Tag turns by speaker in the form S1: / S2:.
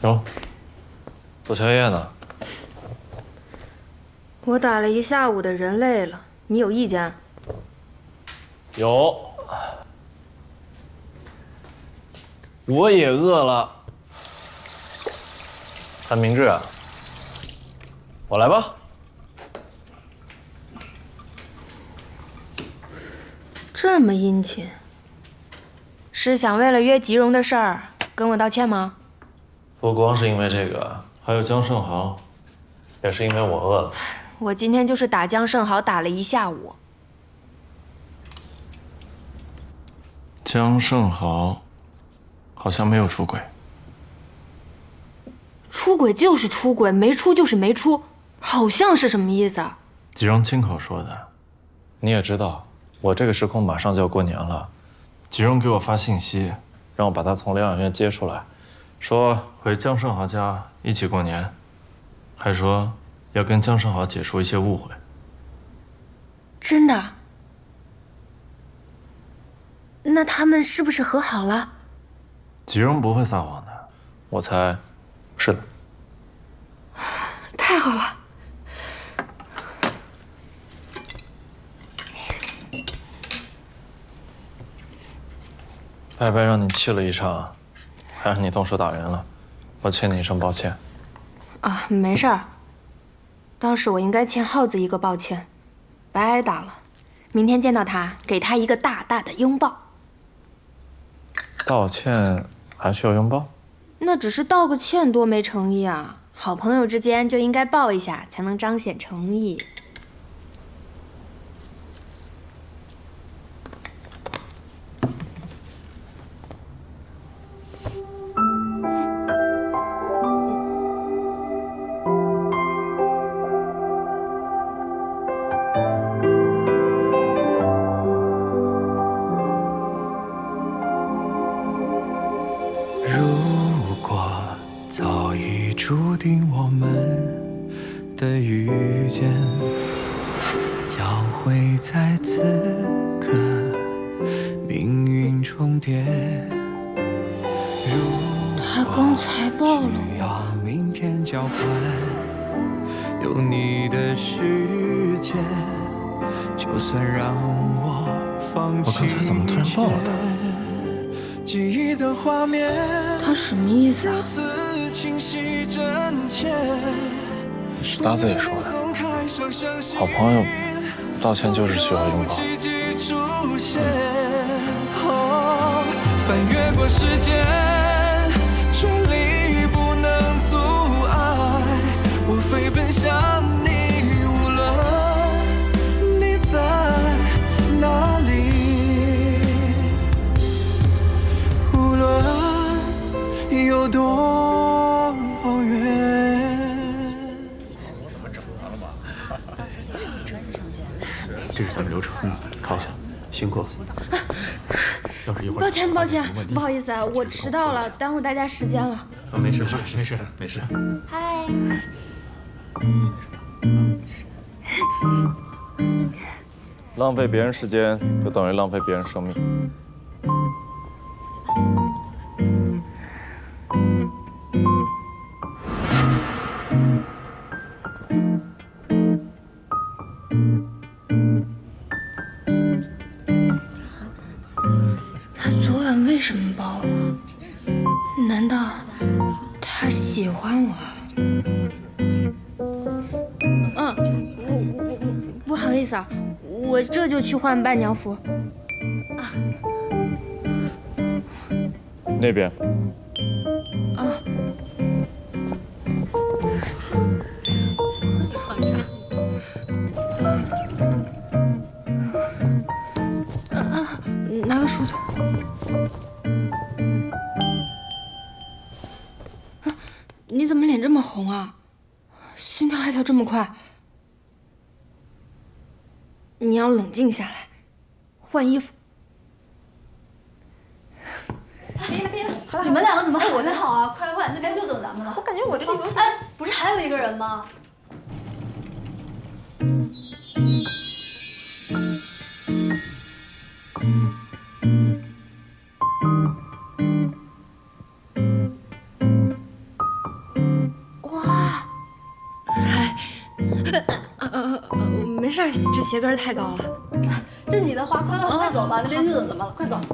S1: 哟，做宵夜呢？
S2: 我打了一下午的人累了，你有意见？
S1: 有。我也饿了。韩明志啊，我来吧。
S2: 这么殷勤，是想为了约吉荣的事儿跟我道歉吗？
S1: 不光是因为这个，还有江胜豪，也是因为我饿了。
S2: 我今天就是打江胜豪打了一下午。
S1: 江胜豪好像没有出轨。
S2: 出轨就是出轨，没出就是没出，好像是什么意思啊？
S1: 吉荣亲口说的。你也知道，我这个时空马上就要过年了。吉荣给我发信息，让我把他从疗养院接出来，说回江胜豪家一起过年，还说要跟江胜豪解除一些误会。
S2: 真的？那他们是不是和好了？
S1: 吉荣不会撒谎的，我猜是的。
S2: 太好了！
S1: 白白让你气了一场，还让你动手打人了，我欠你一声抱歉。
S2: 啊，没事儿。当时我应该欠耗子一个抱歉，白挨打了。明天见到他，给他一个大大的拥抱。
S1: 道歉还需要拥抱？
S2: 那只是道个歉，多没诚意啊！好朋友之间就应该抱一下，才能彰显诚意。
S3: 如果早已注定我们的遇见，交汇在此刻，命运重叠。
S2: 他刚才抱了我，
S3: 明天交换，有你的世界，就算让我放弃。
S1: 我刚才怎么突然抱了他？
S3: 记忆的画面，
S2: 他什么意思啊？
S1: 是他自己说的。好朋友道歉就是需要拥抱。
S3: 翻越过时间，重力不能阻碍我飞奔向你，无论你在哪里，无论有多远。
S4: 这是咱们流程，靠下，辛苦了。要是一会儿
S2: 抱歉，抱歉，不好意思啊，我迟到了，耽误大家时间了。
S4: 啊，没事，没事，没事。
S2: 嗨。
S1: 浪费别人时间，就等于浪费别人生命。
S2: 他昨晚为什么抱我？难道他喜欢我？我不好意思啊，我这就去换伴娘服。
S1: 那边。
S2: 啊。拿个梳子。你怎么脸这么红啊？心跳还跳这么快？你要冷静下来，换衣服。
S5: 可以了，可以了，好了。你们两个怎么还混得好啊？快换，那边就等咱们了。我感觉我这个有……哎，不是还有一个人吗？
S2: 没事儿，这鞋跟太高了。
S5: 这你的花，快走吧，那边就等咱们了，快走。